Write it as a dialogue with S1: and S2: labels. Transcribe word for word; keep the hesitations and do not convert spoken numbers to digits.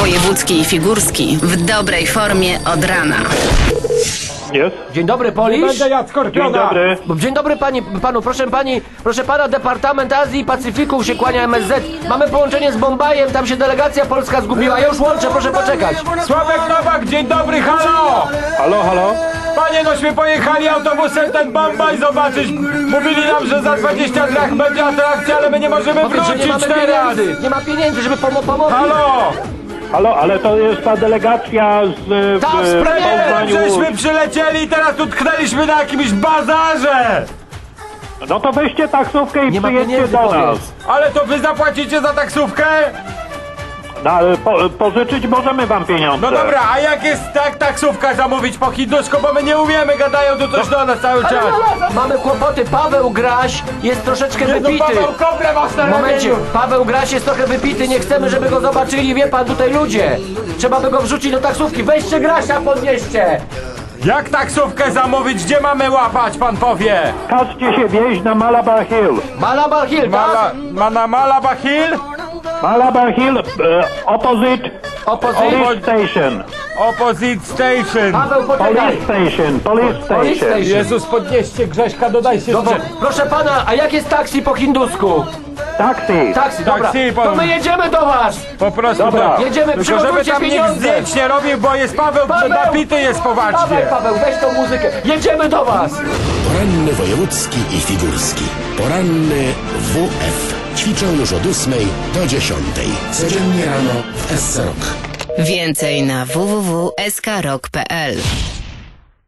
S1: Wojewódzki i Figurski w dobrej formie od rana.
S2: Jest.
S3: Dzień dobry, Polisz.
S4: Będę jadł skorpiona.
S2: Dzień dobry.
S3: Dzień dobry pani, panu, proszę pani, proszę pana, Departament Azji i Pacyfiku się kłania M S Z. Mamy połączenie z Bombajem, tam się delegacja polska zgubiła. Ja już łączę, proszę poczekać.
S4: Sławek Nowak, dzień dobry, halo!
S2: Halo, halo?
S4: Panie, nośmy pojechali autobusem ten Bombaj zobaczyć. Mówili nam, że za dwadzieścia drach będzie atrakcja, ale my nie możemy
S3: Powiedz, że nie
S4: wrócić
S3: mamy
S4: teraz.
S3: pieniędzy, nie ma pieniędzy, żeby pomo pomóc.
S4: Halo!
S2: Halo, ale to jest ta delegacja z e,
S3: Tak,
S2: w,
S3: z
S2: w
S4: Premierem
S2: Poznaniu.
S4: żeśmy przylecieli i teraz tu tknęliśmy na jakimś bazarze!
S2: No to weźcie taksówkę i
S3: Nie ma
S2: przyjedźcie
S3: pieniędzy,
S2: do nas.
S3: powiedz.
S4: Ale to wy zapłacicie za taksówkę?
S2: No, ale po, pożyczyć możemy wam pieniądze.
S4: No dobra, a jak jest tak taksówka zamówić po hindusku, bo my nie umiemy, gadają tu coś do nas cały czas.
S3: Mamy kłopoty, Paweł Graś jest troszeczkę
S4: Nie, no
S3: wypity.
S4: Paweł, kobrę masz na
S3: W momencie,
S4: ramieniu.
S3: Paweł Graś jest trochę wypity, nie chcemy, żeby go zobaczyli, wie pan, tutaj ludzie. Trzeba by go wrzucić do taksówki, weźcie Grasia, podnieście.
S4: Jak taksówkę zamówić? Gdzie mamy łapać, pan powie?
S2: Każcie się wieźć na Malabar Hill.
S3: Malabar Hill,
S4: Mala,
S3: tak?
S4: ma na Malaba Hill?
S2: Malabar Hill, e, opposite
S3: Opozycja.
S2: police station.
S4: Opposite Station.
S3: Paweł, poczekaj.
S2: Police station, police
S3: Police
S2: station.
S3: station.
S4: Jezus, podnieście Grześka, dodajcie
S3: Dobrze,
S4: jeszcze.
S3: proszę pana, a jak jest taksi po hindusku?
S2: Taxi.
S3: Taksi, dobra.
S4: Taksi,
S3: To
S4: pan-
S3: my jedziemy do was.
S4: Po prostu
S2: Dobra.
S4: to.
S3: Jedziemy,
S4: Tylko żeby
S3: przygotujcie
S4: tam nikt
S3: pieniądze.
S4: zdjęć nie robił, bo jest Paweł,
S3: Paweł!
S4: napity jest poważnie.
S3: Dawaj, Paweł, weź tą muzykę. Jedziemy do was.
S5: Poranny wojewódzki i figurski. Poranny W F. Ćwiczą już od ósmej do dziesiątej. Codziennie rano w S C Rock.
S1: Więcej na w w w kropka s k rock kropka p l.